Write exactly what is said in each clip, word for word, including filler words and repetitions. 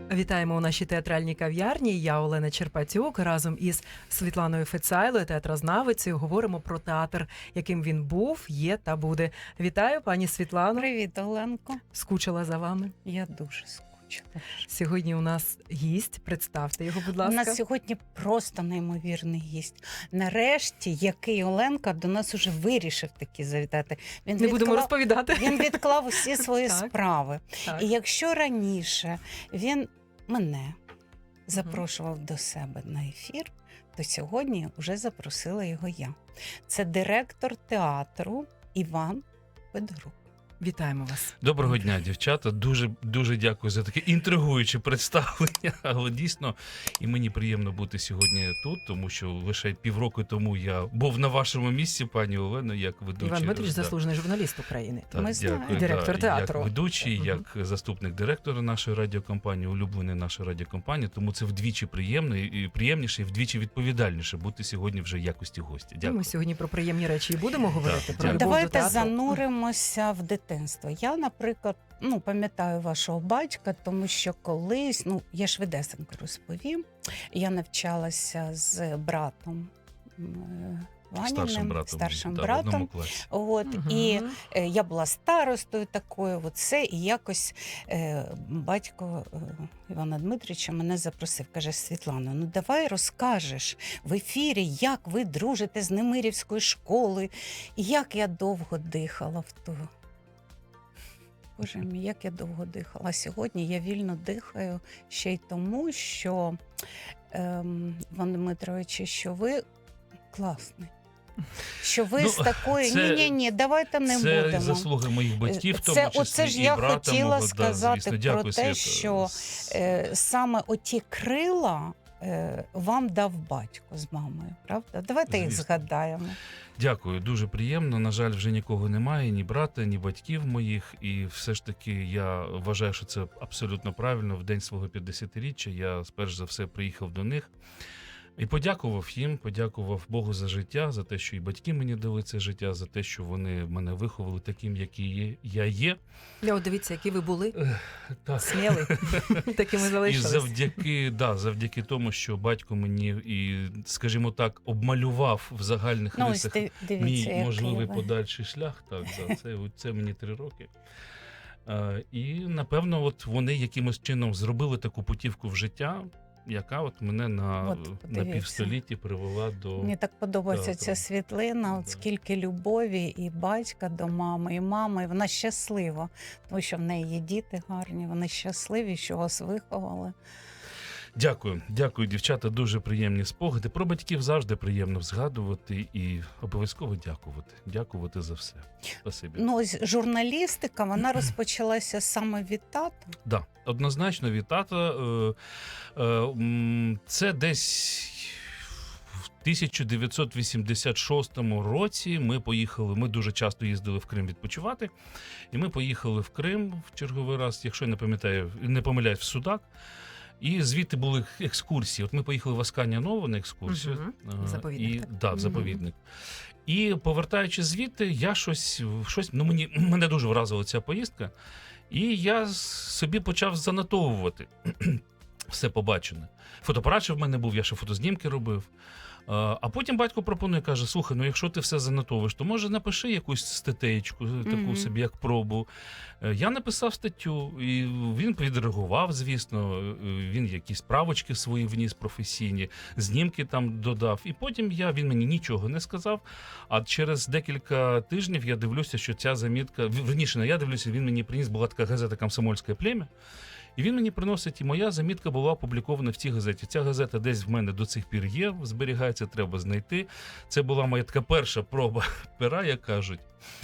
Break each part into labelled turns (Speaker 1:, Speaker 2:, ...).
Speaker 1: Вітаємо у нашій театральній кав'ярні. Я Олена Черпатюк. Разом із Світланою Фецайлою, театрознавицею, говоримо про театр, яким він був, є та буде. Вітаю, пані Світлано.
Speaker 2: Привіт, Оленко.
Speaker 1: Скучила за вами.
Speaker 2: Я дуже скучила.
Speaker 1: Сьогодні у нас гість. Представте його, будь ласка.
Speaker 2: У нас сьогодні просто неймовірний гість. Нарешті, який Оленка до нас уже вирішив таки завітати. Він
Speaker 1: Не будемо розповідати.
Speaker 2: Він відклав усі свої
Speaker 1: Так.
Speaker 2: справи.
Speaker 1: Так.
Speaker 2: І якщо раніше він мене запрошував до себе на ефір, то сьогодні вже запросила його я. Це директор театру Іван Федорук.
Speaker 1: Вітаємо вас.
Speaker 3: Доброго дня, дівчата. Дуже дуже дякую за таке інтригуюче представлення. Але дійсно і мені приємно бути сьогодні тут, тому що лише півроку тому я був на вашому місці, пані Олено, як ведучий.
Speaker 1: Іван Дмитрич,
Speaker 3: да.
Speaker 1: заслужений журналіст України.
Speaker 3: Так,
Speaker 2: Ми знаємо.
Speaker 3: дякую,
Speaker 1: Директор
Speaker 3: да,
Speaker 1: театру.
Speaker 3: Як ведучий,
Speaker 1: Мгм.
Speaker 3: як заступник директора нашої радіокомпанії, улюблений нашої радіокомпанії, тому це вдвічі приємно і приємніше, і вдвічі відповідальніше бути сьогодні вже в якості гостя. Дякую.
Speaker 1: Ми сьогодні про приємні речі і будемо говорити. Про
Speaker 3: дякую.
Speaker 1: любов до
Speaker 2: Давайте
Speaker 1: театру.
Speaker 2: зануримося в дитинство. Я, наприклад, ну, пам'ятаю вашого батька, тому що колись, ну, я швидесенько розповім, я навчалася з братом е, Ваніним,
Speaker 3: Старшим братом.
Speaker 2: старшим
Speaker 3: да, в
Speaker 2: братом.
Speaker 3: одному класі.
Speaker 2: От,
Speaker 1: Мгм.
Speaker 2: І е, я була старостою такою, от все, і якось е, батько е, Івана Дмитрича мене запросив. Каже: Світлано, ну давай розкажеш в ефірі, як ви дружите з Немирівською школою. І як я довго дихала в ту. Боже мій, як я довго дихала. А сьогодні я вільно дихаю ще й тому, що, ем, Іван Дмитрович, що ви класний. Що ви
Speaker 3: Ну,
Speaker 2: з такої,
Speaker 3: це-
Speaker 2: ні-ні-ні, давайте не
Speaker 3: це
Speaker 2: будемо.
Speaker 3: заслуги моїх батьків, в тому
Speaker 2: Це,
Speaker 3: числі
Speaker 2: оце ж
Speaker 3: і
Speaker 2: я
Speaker 3: брата
Speaker 2: хотіла
Speaker 3: мого, да,
Speaker 2: сказати
Speaker 3: звісно.
Speaker 2: про
Speaker 3: Дякую,
Speaker 2: те,
Speaker 3: Свята.
Speaker 2: що е, саме оті крила е, вам дав батько з мамою, правда? Давайте їх
Speaker 3: Звісно.
Speaker 2: згадаємо.
Speaker 3: Дякую, дуже приємно. На жаль, вже нікого немає, ні брата, ні батьків моїх. І все ж таки я вважаю, що це абсолютно правильно. В день свого п'ятдесятиріччя я перш за все приїхав до них і подякував їм, подякував Богу за життя, за те, що і батьки мені дали це життя, за те, що вони мене виховали таким, який є, я є.
Speaker 1: Я от дивіться, які ви були.
Speaker 3: Так.
Speaker 1: Сміли. Такими
Speaker 3: І
Speaker 1: залишились.
Speaker 3: завдяки, да, завдяки тому, що батько мені і, скажімо так, обмалював в загальних
Speaker 2: Ну, ось
Speaker 3: рисах
Speaker 2: див- дивіться,
Speaker 3: мій
Speaker 2: який
Speaker 3: можливий
Speaker 2: ви.
Speaker 3: подальший шлях. Так, да, це, це мені три роки. Е, і, напевно, от вони якимось чином зробили таку путівку в життя, яка от мене на,
Speaker 2: От,
Speaker 3: на
Speaker 2: подивіться.
Speaker 3: півстолітті привела до...
Speaker 2: Мені так подобається
Speaker 3: театру.
Speaker 2: ця світлина, от
Speaker 3: Да.
Speaker 2: скільки любові і батька до мами, і мами. І вона щаслива, тому що в неї є діти гарні, вони щасливі, що вас виховали.
Speaker 3: Дякую, дякую, дівчата, дуже приємні спогади. Про батьків завжди приємно згадувати і обов'язково дякувати. Дякувати за все. Спасибі.
Speaker 2: Ну, ось журналістика, вона розпочалася саме від тата.
Speaker 3: Да, однозначно від тата. Е, е, м, це десь в тисяча дев'ятсот вісімдесят шостому році ми поїхали, ми дуже часто їздили в Крим відпочивати, і ми поїхали в Крим в черговий раз, якщо я не пам'ятаю, не помиляюсь, в Судак. І звідти були екскурсії. От ми поїхали в Асканія-Нову на екскурсію.
Speaker 1: Мгм.
Speaker 3: Е,
Speaker 1: Заповідник,
Speaker 3: І,
Speaker 1: так?
Speaker 3: да, в
Speaker 1: Мгм.
Speaker 3: заповідник. І повертаючись звідти, я щось, щось ну мені, мене дуже вразила ця поїздка. І я собі почав занотовувати все побачене. Фотоапарат в мене був, я ще фотознімки робив. А а потім батько пропонує, каже: слухай, ну якщо ти все занотовуєш, то може напиши якусь статтеєчку, таку
Speaker 2: Мгм.
Speaker 3: собі, як пробу. Е, Я написав статтю, і він відреагував, звісно, е, він якісь правочки свої вніс професійні, знімки там додав. І потім я, він мені нічого не сказав, а через декілька тижнів я дивлюся, що ця замітка, верніше, не я дивлюся, він мені приніс, була така газета «Комсомольське плем'я», і він мені приносить, і моя замітка була опублікована в цій газеті. Ця газета десь в мене до цих пір є, зберігається, треба знайти. Це була моя така перша проба пера, як кажуть.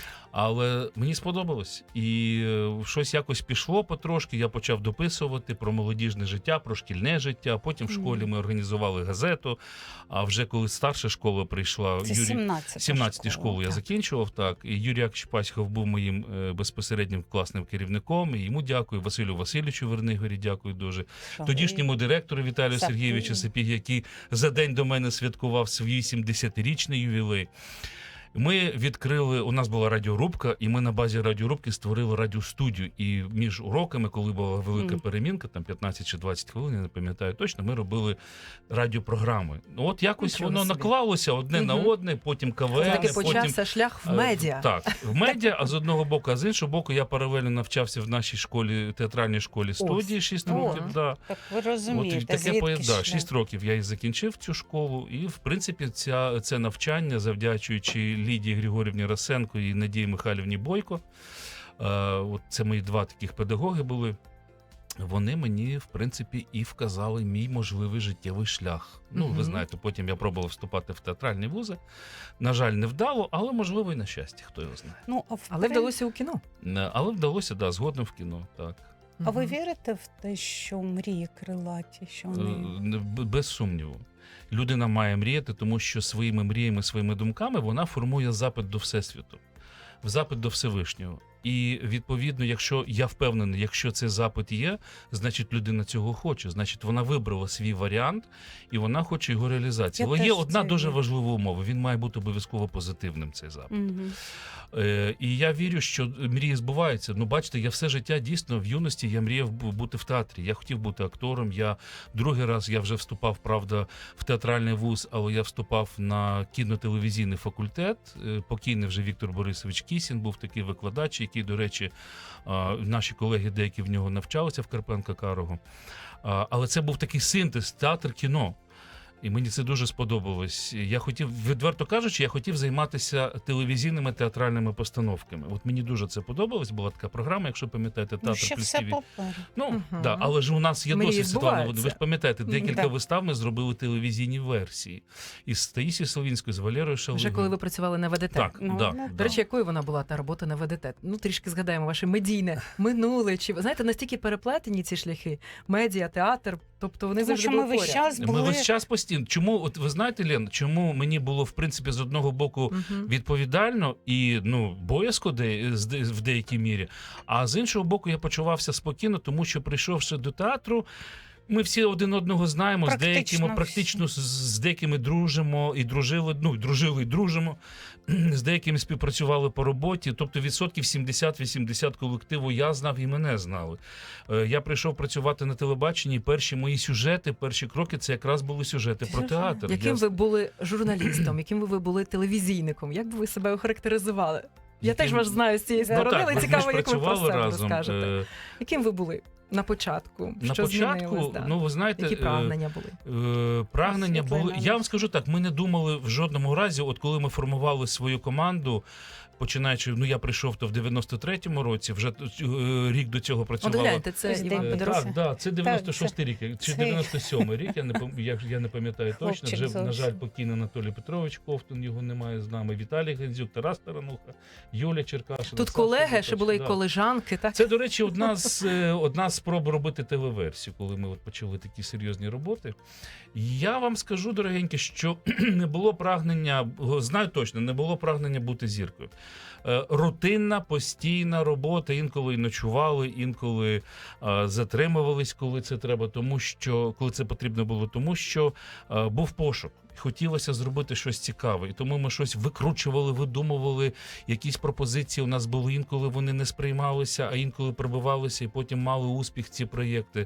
Speaker 3: Але мені сподобалось. І е, щось якось пішло потрошки, я почав дописувати про молодіжне життя, про шкільне життя. Потім в школі ми організували газету, а вже коли старша школа прийшла,
Speaker 2: Це
Speaker 3: Юрій...
Speaker 2: сімнадцята
Speaker 3: сімнадцяту
Speaker 2: школа,
Speaker 3: школу я
Speaker 2: так.
Speaker 3: закінчував, так. І Юрій Яковлевич Пасіхов був моїм е, безпосереднім класним керівником. І йому дякую, Василю Васильовичу Вернигорі дякую дуже. Тодішньому директору Віталію
Speaker 2: Сапігі.
Speaker 3: Сергійовичу Сапігі, який за день до мене святкував свій вісімдесятирічний ювілей. Ми відкрили, у нас була радіорубка, і ми на базі радіорубки створили радіостудію. І між уроками, коли була велика
Speaker 2: Мгм.
Speaker 3: перемінка, там п'ятнадцять чи двадцять хвилин, я не пам'ятаю точно, ми робили радіопрограми. Ну, От якось
Speaker 1: Нічого
Speaker 3: воно
Speaker 1: собі.
Speaker 3: наклалося одне на
Speaker 2: Мгм.
Speaker 3: одне, потім
Speaker 1: Це
Speaker 3: КВН,
Speaker 1: таки
Speaker 3: потім...
Speaker 1: почався шлях в
Speaker 3: Е,
Speaker 1: медіа.
Speaker 3: Так, в медіа, а з одного боку, а з іншого боку, я паралельно навчався в нашій школі, театральній школі студії шість
Speaker 2: О.
Speaker 3: років. Да.
Speaker 2: Так ви
Speaker 3: От
Speaker 2: розумієте,
Speaker 3: таке
Speaker 2: звідки
Speaker 3: поє- да,
Speaker 2: шлях?
Speaker 3: шість років я і закінчив цю школу. І, в принципі, ця, це навчання, завдячуючи Лідії Григорівні Расенко і Надії Михайлівні Бойко, е, от це мої два таких педагоги були. Вони мені, в принципі, і вказали мій можливий життєвий шлях. Ну,
Speaker 1: Мгм.
Speaker 3: ви знаєте, потім я пробував вступати в театральні вузи. На жаль, не вдало, але можливо і на щастя, хто його знає.
Speaker 2: Ну, а, в
Speaker 1: Але
Speaker 2: прин-
Speaker 1: вдалося у кіно.
Speaker 3: Е, Але вдалося, да, згодом в кіно. Так.
Speaker 2: А ви
Speaker 1: Мгм.
Speaker 2: вірите в те, що мрії крилаті, що
Speaker 3: Е,
Speaker 2: вони...
Speaker 3: б- Без сумніву. Людина має мріяти, тому що своїми мріями, своїми думками вона формує запит до Всесвіту, в запит до Всевишнього. І відповідно, якщо я впевнений, якщо цей запит є, значить людина цього хоче. Значить, вона вибрала свій варіант і вона хоче його реалізації.
Speaker 2: Я
Speaker 3: Але є
Speaker 2: теж
Speaker 3: одна
Speaker 2: це
Speaker 3: дуже
Speaker 2: вірю.
Speaker 3: важлива умова: він має бути обов'язково позитивним. Цей запит.
Speaker 2: Мгм.
Speaker 3: Е, і я вірю, що мрії збуваються. Ну, бачите, я все життя дійсно в юності я мріяв бу- бути в театрі. Я хотів бути актором. Я другий раз я вже вступав, правда, в театральний вуз, але я вступав на кінотелевізійний факультет. Е, Покійний вже Віктор Борисович Кісін був такий викладач, який, до речі, а, наші колеги деякі в нього навчалися в Карпенка Карого. А, Але це був такий синтез театр-кіно. І мені це дуже сподобалось. Я хотів, відверто кажучи, я хотів займатися телевізійними театральними постановками. От мені дуже це подобалось. Була така програма, якщо пам'ятаєте,
Speaker 2: Ну,
Speaker 3: театр
Speaker 2: ще
Speaker 3: плюс
Speaker 2: все
Speaker 3: ТІВІ.
Speaker 2: попереду.
Speaker 3: Ну,
Speaker 1: Мгм.
Speaker 3: да, але ж у нас є
Speaker 1: Мрії
Speaker 3: досвід, Світлана. Ви
Speaker 1: збуваються.
Speaker 3: ж пам'ятаєте, декілька
Speaker 2: Да.
Speaker 3: вистав ми зробили телевізійні версії. Із Таїсією Солінською, з Валерою Шаловою.
Speaker 1: Вже коли ви працювали на ВДТ.
Speaker 3: Так,
Speaker 2: Ну,
Speaker 3: да,
Speaker 2: ну,
Speaker 3: да.
Speaker 1: До речі, якою вона була та робота на ВДТ? Ну, трішки згадаємо ваше медійне минуле. Чи знаєте, настільки переплетені ці шляхи? Медіа, театр, тобто вони
Speaker 2: Тому
Speaker 1: завжди
Speaker 2: що
Speaker 1: були
Speaker 2: ми весь
Speaker 1: поряд.
Speaker 2: час
Speaker 3: Ми
Speaker 2: були...
Speaker 3: весь час постійно. Чому, от ви знаєте, Лен, чому мені було в принципі з одного боку
Speaker 1: Мгм.
Speaker 3: відповідально і ну боязко де, з- де- в деякій мірі, а з іншого боку, я почувався спокійно, тому що прийшовши до театру. Ми всі один одного знаємо, з
Speaker 2: Практично
Speaker 3: деякими
Speaker 2: всі.
Speaker 3: практично з, з деякими дружимо і дружили, ну і дружили і дружимо. З деякими співпрацювали по роботі. Тобто відсотків сімдесят-вісімдесят колективу я знав і мене знали. Е, Я прийшов працювати на телебаченні. І перші мої сюжети, перші кроки це якраз були сюжети про театр.
Speaker 1: Яким
Speaker 3: Я-
Speaker 1: ви були журналістом, яким ви були телевізійником? Як би ви себе охарактеризували? Я
Speaker 3: яким-
Speaker 1: теж вас знаю з цієї
Speaker 2: Ну,
Speaker 1: сторони,
Speaker 3: так,
Speaker 1: але
Speaker 3: ми- ми
Speaker 1: цікаво,
Speaker 3: ж
Speaker 1: як ви про
Speaker 3: працювали
Speaker 1: себе
Speaker 3: разом.
Speaker 1: розкажете.
Speaker 3: Е,
Speaker 1: Яким ви були на початку?
Speaker 3: На
Speaker 1: Що
Speaker 3: початку,
Speaker 1: змінилось, да?
Speaker 3: ну ви знаєте,
Speaker 1: Які
Speaker 3: е,
Speaker 1: прагнення були?
Speaker 3: Е, прагнення
Speaker 2: Світлана,
Speaker 3: були. Я вам скажу так: ми не думали в жодному разі, от коли ми формували свою команду. Починаючи, ну я прийшов то в дев'яносто третьому році, вже е, рік до цього
Speaker 1: От
Speaker 3: працювала.
Speaker 1: гляньте, це
Speaker 2: Ось
Speaker 1: Іван
Speaker 2: де-
Speaker 3: Е,
Speaker 1: Федоров.
Speaker 3: Так, да, це дев'яносто шостий рік, чи
Speaker 2: це-
Speaker 3: дев'яносто сьомий рік, я не пам- я, я не пам'ятаю точно.
Speaker 2: Хлопчик
Speaker 3: Вже, на жаль,
Speaker 2: зовсім.
Speaker 3: покійний Анатолій Петрович Ковтун, його немає з нами, Віталій Гензюк, Тарас Тарануха, Юля Черкашина.
Speaker 1: Тут
Speaker 3: Саша
Speaker 1: колеги,
Speaker 3: Лукач,
Speaker 1: ще були і
Speaker 3: да.
Speaker 1: колежанки, так?
Speaker 3: Це, до речі, одна з е, одна з спроб робити телеверсію, коли ми от почали такі серйозні роботи. Я вам скажу, дорогенькі, що не було прагнення, знаю точно, не було прагнення бути зіркою. Е, Рутинна, постійна робота, інколи і ночували, інколи е, затримувались, коли це треба, тому що коли це потрібно було, тому що е, був пошук. Хотілося зробити щось цікаве, і тому ми щось викручували, видумували. Якісь пропозиції у нас були, інколи вони не сприймалися, а інколи пробивалися, і потім мали успіх ці проєкти.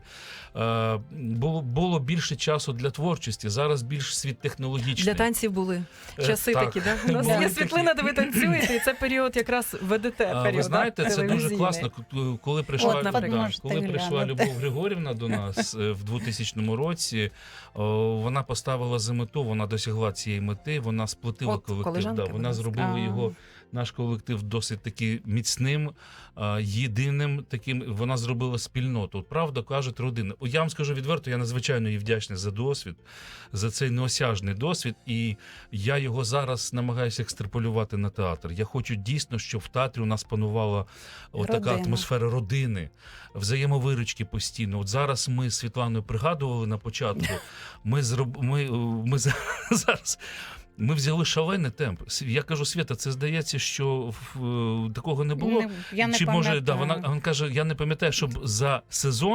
Speaker 3: Е, було, було більше часу для творчості. Зараз більш світ технологічний.
Speaker 1: Для танців були
Speaker 3: Е,
Speaker 1: часи
Speaker 3: так.
Speaker 1: такі, да? У нас
Speaker 3: Були
Speaker 1: є
Speaker 3: такі.
Speaker 1: світлина, де ви танцюєте, і це період якраз ВДТ.
Speaker 3: А,
Speaker 1: період,
Speaker 3: ви знаєте,
Speaker 1: да,
Speaker 3: це дуже
Speaker 1: телевізійний.
Speaker 3: класно. К- Коли прийшла,
Speaker 1: От, наприклад.
Speaker 3: да,
Speaker 2: Можете
Speaker 3: коли прийшла
Speaker 2: глянути.
Speaker 3: Любов Григорівна до нас е, в двохтисячному році, о, вона поставила за мету, вона досягла цієї мети, вона сплотила
Speaker 1: От,
Speaker 3: колектив.
Speaker 1: колежанка
Speaker 3: Да,
Speaker 1: у
Speaker 3: вона
Speaker 1: нас.
Speaker 3: зробила
Speaker 2: А.
Speaker 3: його, наш колектив, досить таки міцним, а, єдиним таким. Вона зробила спільноту. От, правда, кажуть, родина. О, Я вам скажу відверто, я надзвичайно їй вдячний за досвід, за цей неосяжний досвід, і я його зараз намагаюся екстраполювати на театр. Я хочу дійсно, щоб в театрі у нас панувала така
Speaker 2: Родина.
Speaker 3: атмосфера родини, взаємовиручки постійно. От зараз ми з Світланою пригадували на початку. Ми зроб... ми, ми за- зараз. Ми взяли шалений темп. С- Я кажу, Свята, це здається, що в- такого не було.
Speaker 2: Не- я не
Speaker 3: Чи може, да,
Speaker 2: пам'ятаю.
Speaker 3: вона, вона каже, я не пам'ятаю, щоб за сезон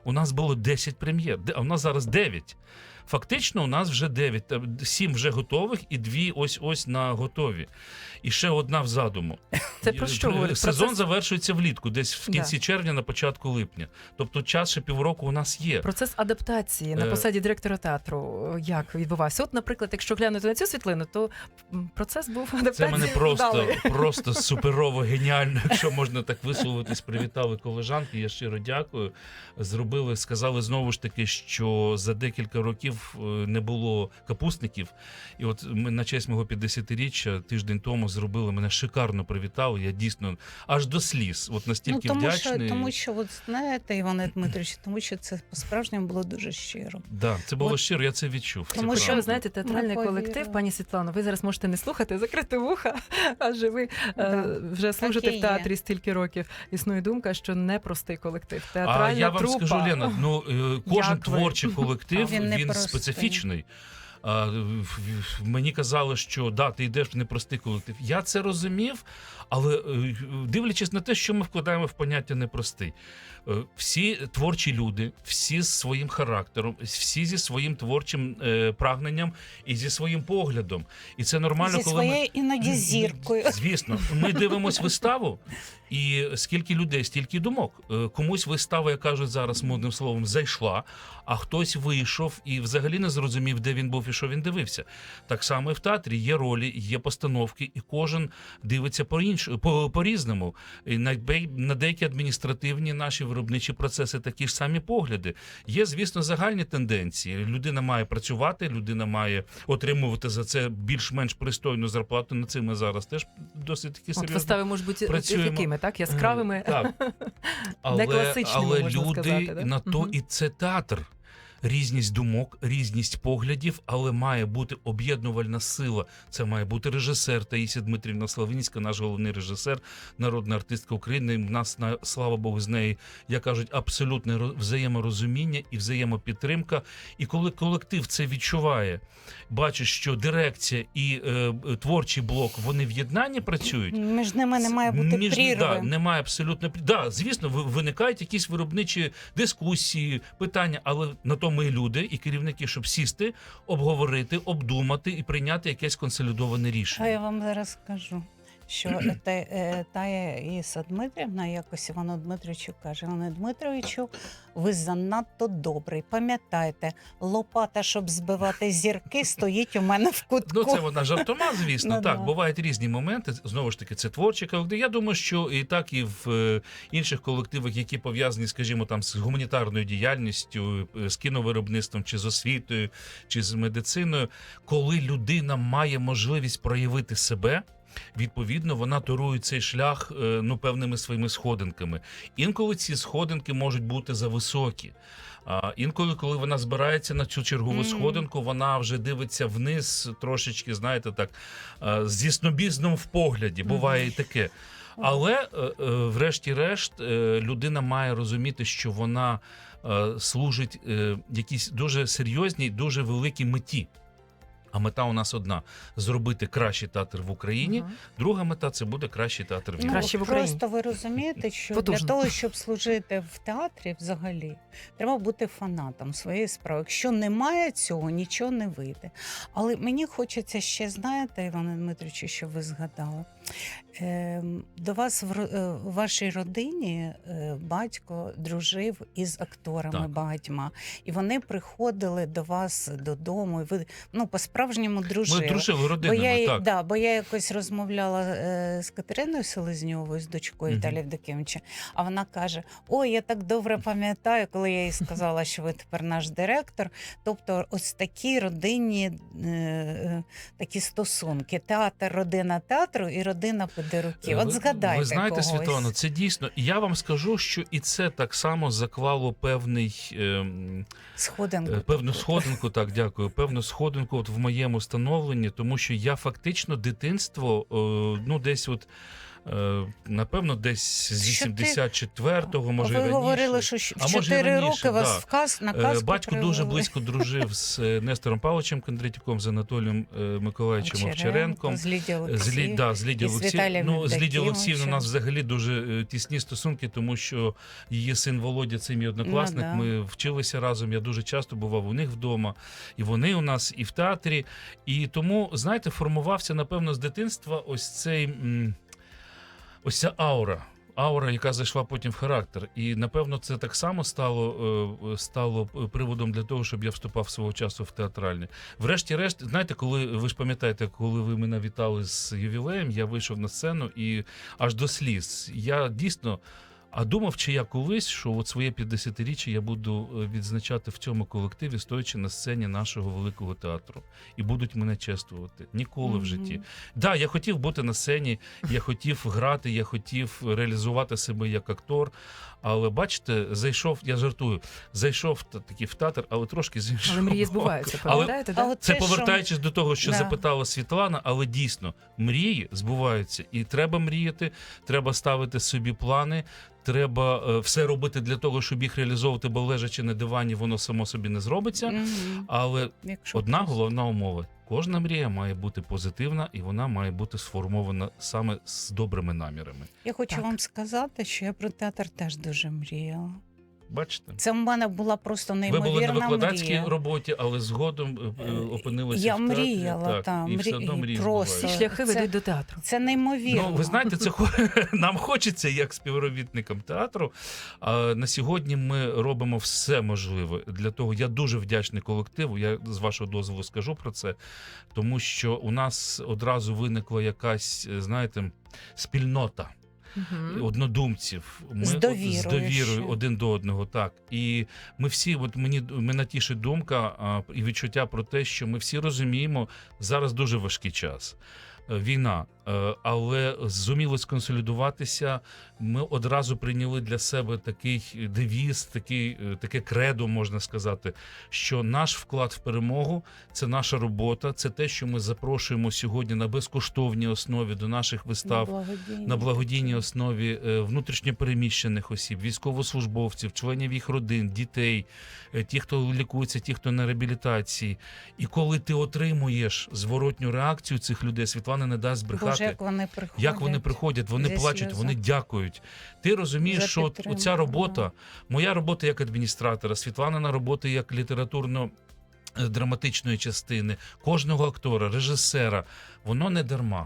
Speaker 3: У нас було десять прем'єр, де- а у нас зараз дев'ять. Фактично, у нас вже дев'ять, та сім вже готових і дві ось-ось на готові. І ще одна в задуму.
Speaker 1: Це про що говорить?
Speaker 3: Сезон
Speaker 1: Процес-
Speaker 3: завершується влітку, десь в кінці
Speaker 1: Да.
Speaker 3: червня, на початку липня. Тобто час ще півроку у нас є.
Speaker 1: Процес адаптації на
Speaker 3: Е,
Speaker 1: посаді директора театру е, як відбувався? От, наприклад, якщо глянути на цю світлину, то м, процес був адаптації.
Speaker 3: Це мене просто,
Speaker 1: вдалий.
Speaker 3: просто суперово геніально, якщо можна так висловитись. Привітали колежанки, я щиро дякую. Зробили, сказали знову ж таки, що за декілька років е, не було капустників. І от ми на честь мого п'ятдесятиріччя тиждень тому зробили, мене шикарно привітали. Я дійсно аж до сліз. От настільки
Speaker 2: Ну, тому
Speaker 3: вдячний.
Speaker 2: що, тому що, от знаєте, Іване Дмитровичу, тому що це по-справжньому було дуже щиро.
Speaker 3: Да, це було
Speaker 2: От,
Speaker 3: щиро, я це відчув. Це
Speaker 2: тому
Speaker 1: Що
Speaker 3: правда.
Speaker 1: ви знаєте, театральний
Speaker 2: Ми
Speaker 1: колектив,
Speaker 2: повірили.
Speaker 1: пані Світлано, ви зараз можете не слухати, закрити вуха, адже ви е,
Speaker 2: Да.
Speaker 1: вже служите
Speaker 2: і
Speaker 1: в
Speaker 2: є.
Speaker 1: театрі стільки років. Існує думка, що непростий колектив.
Speaker 3: А
Speaker 1: Театральна
Speaker 3: я вам
Speaker 1: трупа.
Speaker 3: скажу, Лена, ну е, кожен
Speaker 1: Як ви?
Speaker 3: творчий колектив
Speaker 2: Він
Speaker 3: він,
Speaker 2: непростий.
Speaker 3: специфічний. А, в- в- мені казали, що да, ти йдеш в непростий колектив. Я це розумів, але е, дивлячись на те, що ми вкладаємо в поняття непростий. Е, Всі творчі люди, всі з своїм характером, всі зі своїм творчим е, прагненням і зі своїм поглядом. І це нормально,
Speaker 2: Зі
Speaker 3: коли ми...
Speaker 2: своєю іноді зіркою.
Speaker 3: Звісно, ми дивимося виставу, і скільки людей, стільки думок. Е, Комусь вистава, як кажуть зараз модним словом, зайшла, а хтось вийшов і взагалі не зрозумів, де він був і що він дивився. Так само і в театрі є ролі, є постановки, і кожен дивиться по-інш- по- по-різному. І на, бей- на деякі адміністративні наші виробничі процеси такі ж самі погляди. Є, звісно, загальні тенденції. Людина має працювати, людина має отримувати за це більш-менш пристойну зарплату. Над цим ми зараз теж досить таки
Speaker 1: От
Speaker 3: серйозно.
Speaker 1: вистави можуть бути
Speaker 3: працюємо.
Speaker 1: якими, так? Яскравими.
Speaker 3: Так. Але,
Speaker 1: класичними,
Speaker 3: але
Speaker 1: можна
Speaker 3: люди
Speaker 1: сказати, да?
Speaker 3: на то
Speaker 1: Мгм.
Speaker 3: і це театр. Різність думок, різність поглядів, але має бути об'єднувальна сила. Це має бути режисер Таїсія Дмитрівна Славинська, наш головний режисер, народна артистка України. У нас, на- слава Богу, з нею, як кажуть, абсолютне ро- взаєморозуміння і взаємопідтримка. І коли колектив це відчуває, бачить, що дирекція і е, творчий блок, вони в єднанні працюють,
Speaker 2: Між ними не має бути
Speaker 3: між-
Speaker 2: прірви.
Speaker 3: Да, немає абсолютно прі- да, звісно, ви- виникають якісь виробничі дискусії, питання, але на то ми люди і керівники, щоб сісти, обговорити, обдумати і прийняти якесь консолідоване
Speaker 2: А
Speaker 3: рішення.
Speaker 2: я вам зараз скажу, що та, е, Тая Іса Дмитрівна якось Івану Дмитровичу каже: Іване Дмитровичу, ви занадто добрий. Пам'ятайте, лопата, щоб збивати зірки, стоїть у мене в кутку.
Speaker 3: Ну, це вона жартома, звісно.
Speaker 2: Ну,
Speaker 3: так,
Speaker 2: да.
Speaker 3: бувають різні моменти. Знову ж таки, це творчі колективи. Я думаю, що і так, і в е, інших колективах, які пов'язані, скажімо, там з гуманітарною діяльністю, е, з кіновиробництвом, чи з освітою, чи з медициною, коли людина має можливість проявити себе. Відповідно, вона торує цей шлях е, ну, певними своїми сходинками. Інколи ці сходинки можуть бути зависокі. А інколи, коли вона збирається на цю чергову
Speaker 2: Мгм.
Speaker 3: сходинку, вона вже дивиться вниз, трошечки, знаєте, так, е, зі снобізмом в погляді. Буває і таке. Але, е, е, врешті-решт, е, людина має розуміти, що вона е, служить е, якійсь дуже серйозній, дуже великій меті. А мета у нас одна – зробити кращий театр в Україні.
Speaker 1: Ага.
Speaker 3: Друга мета – це буде кращий театр в
Speaker 2: Ну,
Speaker 3: Європі.
Speaker 1: Краще в Україні.
Speaker 2: просто ви розумієте, що
Speaker 1: Потужно.
Speaker 2: для того, щоб служити в театрі взагалі, треба бути фанатом своєї справи. Якщо немає цього, нічого не вийде. Але мені хочеться ще, знаєте, Іване Дмитровичу, що ви згадали. Е, до вас в, ро- е, в вашій родині е, батько дружив із акторами
Speaker 3: Так.
Speaker 2: багатьма. І вони приходили до вас додому, і ви ну, по-справжньому дружили.
Speaker 3: Ми дружили
Speaker 2: Бо
Speaker 3: родинами,
Speaker 2: я,
Speaker 3: так.
Speaker 2: да, бо я якось розмовляла е, з Катериною Селезньовою, з дочкою
Speaker 3: Мгм.
Speaker 2: Віталія Євдокимовича, а вона каже: ой, я так добре пам'ятаю, коли я їй сказала, що ви тепер наш директор. Тобто ось такі родинні е, е, такі стосунки. Театр, родина театру і родина педеруків. От
Speaker 3: Ви-
Speaker 2: згадайте
Speaker 3: Ви знаєте,
Speaker 2: когось.
Speaker 3: Світлано, це дійсно. І я вам скажу, що і це так само заклало певний, ем,
Speaker 2: Сходинку.
Speaker 3: е, певну сходинку, так, дякую, певну сходинку от в моєму становленні, тому що я фактично дитинство, е, ну, десь от Е, Напевно, десь з
Speaker 2: Що ти-
Speaker 3: вісімдесят четвертого, може,
Speaker 2: Ви
Speaker 3: раніше.
Speaker 2: говорили, що щ-
Speaker 3: А
Speaker 2: в
Speaker 3: може, і
Speaker 2: чотири
Speaker 3: раніше,
Speaker 2: роки вас
Speaker 3: да.
Speaker 2: в каз, на
Speaker 3: Е,
Speaker 2: казку
Speaker 3: Батько дуже
Speaker 2: привели.
Speaker 3: близько дружив з е, Нестором Павловичем Кондратюком, з Анатолієм е, Миколаївичем Овчаренком.
Speaker 2: з Лідією
Speaker 3: З, Лі, да, з Лідією
Speaker 2: і з
Speaker 3: Олексіївною.
Speaker 2: Віталієм
Speaker 3: Ну, з Лідією
Speaker 2: Євдокимовичем.
Speaker 3: Олексіївною у нас взагалі дуже е, тісні стосунки, тому що її син Володя, це мій однокласник,
Speaker 2: Ну, да.
Speaker 3: ми вчилися разом, я дуже часто бував у них вдома, і вони у нас, і в театрі. І тому, знаєте, формувався, напевно, з дитинства ось цей, м, ось ця аура. Аура, яка зайшла потім в характер. І, напевно, це так само стало, е, стало приводом для того, щоб я вступав свого часу в театральне. Врешті-решт, знаєте, коли ви ж пам'ятаєте, коли ви мене вітали з ювілеєм, я вийшов на сцену і аж до сліз. Я дійсно. А думав, чи я колись, що от своє п'ятдесятиріччя я буду е, відзначати в цьому колективі, стоячи на сцені нашого великого театру. І будуть мене чествувати. Ніколи в житті. Так, да, я хотів бути на сцені, я хотів грати, я хотів реалізувати себе як актор. Але бачите, зайшов, я жартую, зайшов та- таки в театр, але трошки з іншого
Speaker 1: Але мрії
Speaker 3: боку.
Speaker 1: збуваються,
Speaker 3: Але
Speaker 1: пам'ятаєте,
Speaker 2: А
Speaker 1: да?
Speaker 2: от
Speaker 3: це
Speaker 2: те, що-
Speaker 3: повертаючись до того, що
Speaker 2: Да.
Speaker 3: запитала Світлана, але дійсно мрії збуваються, і треба мріяти, треба ставити собі плани, треба е, все робити для того, щоб їх реалізовувати, бо лежачи на дивані, воно само собі не зробиться.
Speaker 2: Мгм.
Speaker 3: Але
Speaker 2: Якщо
Speaker 3: одна
Speaker 2: хтось-
Speaker 3: головна умова: кожна мрія має бути позитивна, і вона має бути сформована саме з добрими намірами.
Speaker 2: Я хочу
Speaker 1: Так.
Speaker 2: вам сказати, що я про театр теж дуже мріяла.
Speaker 3: Бачите?
Speaker 2: Це в мене була просто
Speaker 3: Ви
Speaker 2: неймовірна
Speaker 3: були на викладацькій
Speaker 2: мрія.
Speaker 3: роботі, але згодом е, е, опинилися
Speaker 2: Я
Speaker 3: в театрі.
Speaker 2: мріяла,
Speaker 3: так,
Speaker 2: та,
Speaker 3: і все
Speaker 2: мрі-
Speaker 3: одно мрії
Speaker 2: просто.
Speaker 1: Всі
Speaker 3: збуваються.
Speaker 1: шляхи
Speaker 2: Це-
Speaker 1: ведуть до театру.
Speaker 2: Це неймовірно.
Speaker 3: Ну, ви знаєте, це хо- нам хочеться як співробітникам театру. А на сьогодні ми робимо все можливе для того. Я дуже вдячний колективу. Я з вашого дозволу скажу про це, тому що у нас одразу виникла якась, знаєте, спільнота.
Speaker 1: Мгм.
Speaker 3: Однодумців, ми
Speaker 2: З
Speaker 3: от-
Speaker 2: довірою
Speaker 3: з довірою
Speaker 2: ще.
Speaker 3: один до одного, так. І ми всі, от мені мене тішить думка а, і відчуття про те, що ми всі розуміємо, зараз дуже важкий час. Е, Війна, Е, але зуміли сконсолідуватися. Ми одразу прийняли для себе такий девіз, такий, е, таке кредо, можна сказати, що наш вклад в перемогу це наша робота, це те, що ми запрошуємо сьогодні на безкоштовній основі до наших вистав.
Speaker 2: благодійні
Speaker 3: На благодійній
Speaker 2: такі.
Speaker 3: основі е, внутрішньопереміщених осіб, військовослужбовців, членів їх родин, дітей, е, ті, хто лікується, ті, хто на реабілітації. І коли ти отримуєш зворотню реакцію цих людей, Світлана не дасть брехати.
Speaker 2: Боже, як вони приходять.
Speaker 3: Як вони приходять, вони
Speaker 2: зі
Speaker 3: плачуть,
Speaker 2: сльозами.
Speaker 3: вони дякують. Ти розумієш,
Speaker 2: За
Speaker 3: що от
Speaker 2: підтримку,
Speaker 3: оця робота,
Speaker 2: да.
Speaker 3: моя робота як адміністратора, Світланина робота як літературно е, драматичної частини, кожного актора, режисера, воно не дарма.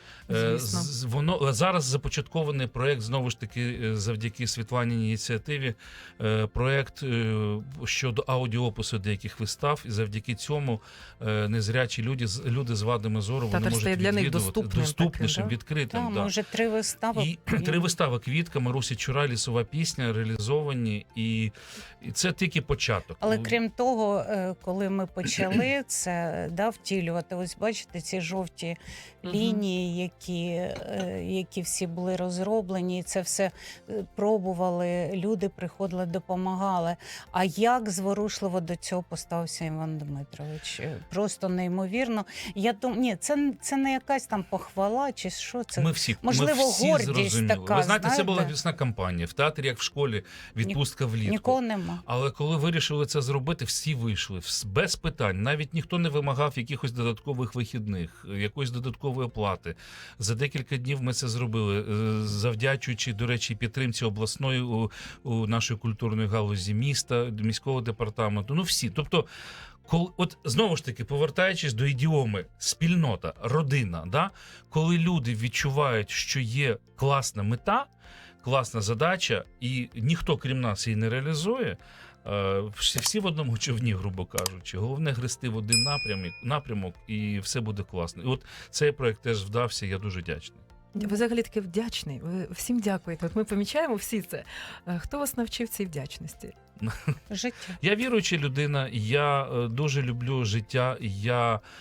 Speaker 3: Е,
Speaker 1: Звісно.
Speaker 3: з- Воно зараз започаткований проект, знову ж таки, е, завдяки Світланіній ініціативі, е, проект е, щодо аудіопису деяких вистав, і завдяки цьому е, незрячі люди, з- люди з вадами зору, вони
Speaker 1: Театр
Speaker 3: можуть
Speaker 1: стає для них
Speaker 3: відвідувати
Speaker 1: доступним
Speaker 3: доступнішим,
Speaker 1: таким, да?
Speaker 3: відкритим.
Speaker 2: Там
Speaker 3: да.
Speaker 2: вже три вистави.
Speaker 3: І три вистави «Квітка», Марусі Чурай, «Лісова пісня» реалізовані, і, і це тільки початок.
Speaker 2: Але крім того, е, коли ми почали це да, втілювати, ось бачите, ці жовті
Speaker 1: Мгм.
Speaker 2: лінії, які, е, які всі були розроблені, і це все е, пробували, люди приходили, допомагали. А як зворушливо до цього поставився Іван Дмитрович? Е, Просто неймовірно. Я думаю, ні, це, це не якась там похвала чи що. Це
Speaker 3: Ми всі,
Speaker 2: можливо,
Speaker 3: ми всі
Speaker 2: гордість
Speaker 3: зрозуміли.
Speaker 2: така,
Speaker 3: Ви знаєте, це
Speaker 2: знаєте?
Speaker 3: була вісна кампанія. В театрі, як в школі, відпустка влітку.
Speaker 2: нікого нема.
Speaker 3: Але коли вирішили це зробити, всі вийшли вс- без питань. Навіть ніхто не вимагав якихось додаткових вихідних, якоїсь додаткової оплати. За декілька днів ми це зробили, е, завдячуючи, до речі, підтримці обласної у, у нашої культурної галузі міста, міського департаменту. Ну всі. Тобто, коли, от знову ж таки, повертаючись до ідіоми, спільнота, родина, да? Коли люди відчувають, що є класна мета, класна задача, і ніхто, крім нас, її не реалізує. е, Всі, всі в одному човні, грубо кажучи. Головне грести в один напрямок, напрямок, і все буде класно. І от цей проект теж вдався, я дуже вдячний.
Speaker 1: Ви взагалі таки вдячний. Ви всім дякуєте. От ми помічаємо всі це. Е, Хто вас навчив цій вдячності?
Speaker 2: Життя.
Speaker 3: Я віруюча людина, я е, дуже люблю життя, я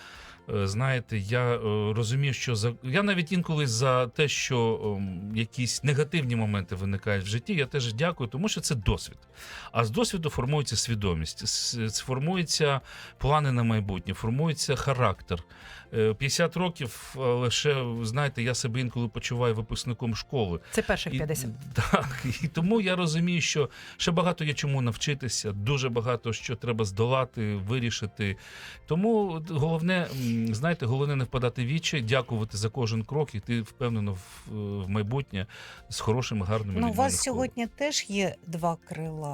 Speaker 3: Е, Знаєте, я е, розумію, що за я навіть інколи за те, що ем, якісь негативні моменти виникають в житті, я теж дякую, тому що це досвід. А з досвіду формується свідомість, с- формуються плани на майбутнє, формується характер. Е, п'ятдесят років, але ще, знаєте, я себе інколи почуваю випускником школи.
Speaker 1: Це перших
Speaker 3: І,
Speaker 1: п'ятдесят.
Speaker 3: так, і тому я розумію, що ще багато є чому навчитися, дуже багато що треба здолати, вирішити. Тому от головне, м, знаєте, головне не впадати в відчай, дякувати за кожен крок, і ти впевнено в, в майбутнє з хорошими, гарними
Speaker 2: Ну, у
Speaker 3: людьми.
Speaker 2: вас
Speaker 3: навколо.
Speaker 2: сьогодні теж є два крила.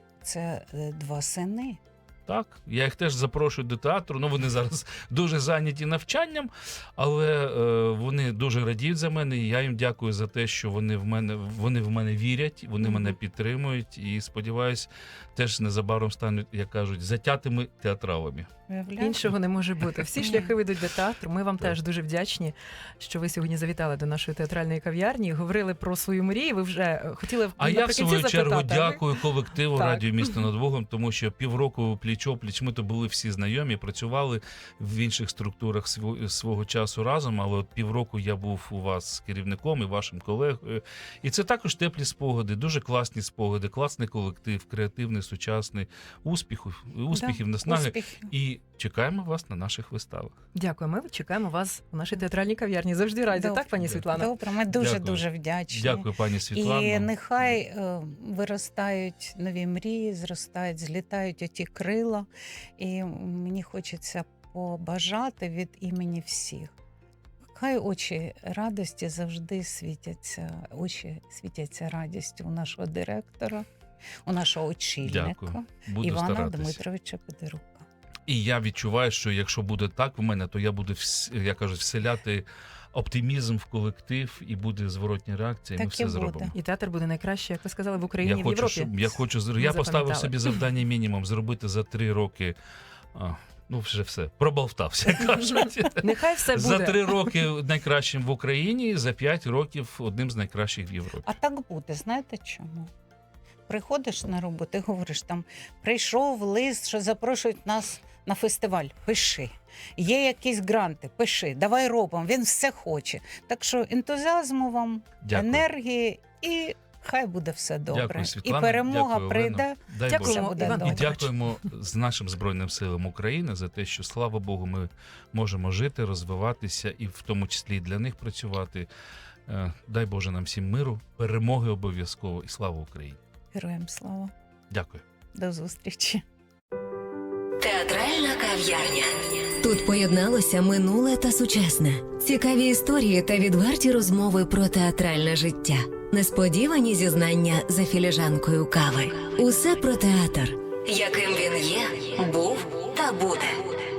Speaker 2: Це е, два сини.
Speaker 3: Так, я їх теж запрошую до театру. Ну, вони зараз дуже зайняті навчанням, але е, вони дуже радіють за мене. І я їм дякую за те, що вони в мене вони в мене вірять, вони
Speaker 2: Мгм.
Speaker 3: мене підтримують. І сподіваюсь, теж незабаром стануть, як кажуть, затятими театралами.
Speaker 2: Виявляєте?
Speaker 1: Іншого не може бути. Всі
Speaker 2: Ні.
Speaker 1: шляхи ведуть до театру. Ми вам
Speaker 3: Так.
Speaker 1: теж дуже вдячні, що ви сьогодні завітали до нашої театральної кав'ярні, говорили про свою мрію. Ви вже е, хотіли
Speaker 3: А я в
Speaker 1: наприкінці
Speaker 3: свою чергу
Speaker 1: запитати, а ви-
Speaker 3: дякую колективу
Speaker 1: Так.
Speaker 3: радіо місто над Богом, тому що півроку пліч-опліч ми то були всі знайомі, працювали в інших структурах сво- свого часу разом. Але от півроку я був у вас з керівником і вашим колегою. І це також теплі спогади, дуже класні спогади, класний колектив, креативний, сучасний, успіхів, успіхів, наснаги.
Speaker 2: Успіхів.
Speaker 3: І чекаємо вас на наших виставах.
Speaker 1: Дякую. Ми чекаємо вас у нашій театральній кав'ярні. Завжди раді,
Speaker 2: Добре.
Speaker 1: так, пані Світлана?
Speaker 2: Добре, ми дуже
Speaker 3: Дякую.
Speaker 2: дуже вдячні.
Speaker 3: Дякую, пані Світлано.
Speaker 2: І нехай е, виростають нові мрії, зростають, злітають оті крила. І мені хочеться побажати від імені всіх. Хай очі радості завжди світяться, очі світяться радістю у нашого директора, у нашого очільника
Speaker 3: Дякую. Буду
Speaker 2: Івана
Speaker 3: старатися.
Speaker 2: Дмитровича Педерука.
Speaker 3: І я відчуваю, що якщо буде так в мене, то я буду, вс- як кажуть, вселяти оптимізм в колектив і буде зворотня реакція, і ми
Speaker 2: Так
Speaker 3: все
Speaker 2: і буде.
Speaker 3: зробимо.
Speaker 1: І театр буде найкраще, як ви сказали, в Україні,
Speaker 3: Я
Speaker 1: в
Speaker 3: хочу,
Speaker 1: Європі.
Speaker 3: щоб, я хочу, зр-
Speaker 1: Ми
Speaker 3: я поставив
Speaker 1: запам'ятали.
Speaker 3: собі завдання мінімум зробити за три роки. А, ну, вже все, проболтався, як кажуть.
Speaker 1: Нехай все буде.
Speaker 3: За три роки найкращим в Україні, за п'ять років одним з найкращих в Європі.
Speaker 2: А так буде, знаєте чому? Приходиш на роботу і говориш там, прийшов лист, що запрошують нас на фестиваль, пиши. Є якісь гранти, пиши, давай робимо, він все хоче. Так що ентузіазму вам,
Speaker 3: Дякую.
Speaker 2: енергії і хай буде все добре.
Speaker 3: Дякую, Світлана.
Speaker 2: І перемога
Speaker 3: Дякую,
Speaker 2: прийде.
Speaker 3: Олено. Дай
Speaker 1: Дякуємо,
Speaker 3: Боже.
Speaker 2: буде
Speaker 1: Іван
Speaker 2: добре.
Speaker 3: І
Speaker 1: Дмитрович.
Speaker 3: дякуємо з нашим Збройним силам України за те, що, слава Богу, ми можемо жити, розвиватися і в тому числі і для них працювати. Е, Дай Боже нам всім миру, перемоги обов'язково і слава Україні.
Speaker 2: Героям слава.
Speaker 3: Дякую.
Speaker 2: До зустрічі.
Speaker 4: Театральна кав'ярня. Тут поєдналося минуле та сучасне. Цікаві історії та відверті розмови про театральне життя. Несподівані зізнання за філіжанкою кави. Усе про театр, яким він є, був та буде.